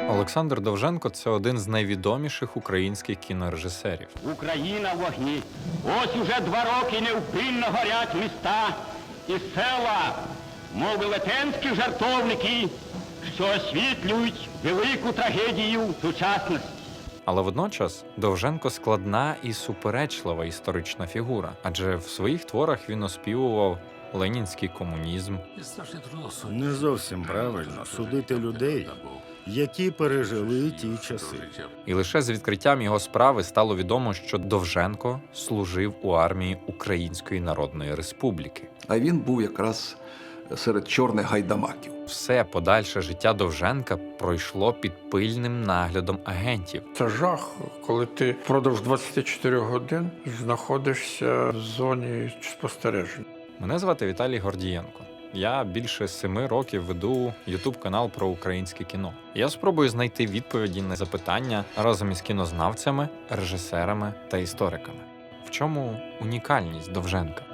Олександр Довженко – це один з найвідоміших українських кінорежисерів. Україна в вогні. Ось уже 2 роки невпинно горять міста і села, мов велетенські жартовники, що освітлюють велику трагедію сучасності. Але водночас Довженко – складна і суперечлива історична фігура, адже в своїх творах він оспівував ленінський комунізм, Не зовсім правильно судити людей, які пережили ті часи. і лише з відкриттям його справи стало відомо, що Довженко служив у армії Української Народної Республіки. А він був якраз серед чорних гайдамаків. Все подальше життя Довженка пройшло під пильним наглядом агентів. Це жах, коли ти впродовж 24 годин знаходишся в зоні спостереження. Мене звати Віталій Гордієнко. Я більше 7 років веду YouTube-канал про українське кіно. Я спробую знайти відповіді на запитання разом із кінознавцями, режисерами та істориками. В чому унікальність Довженка?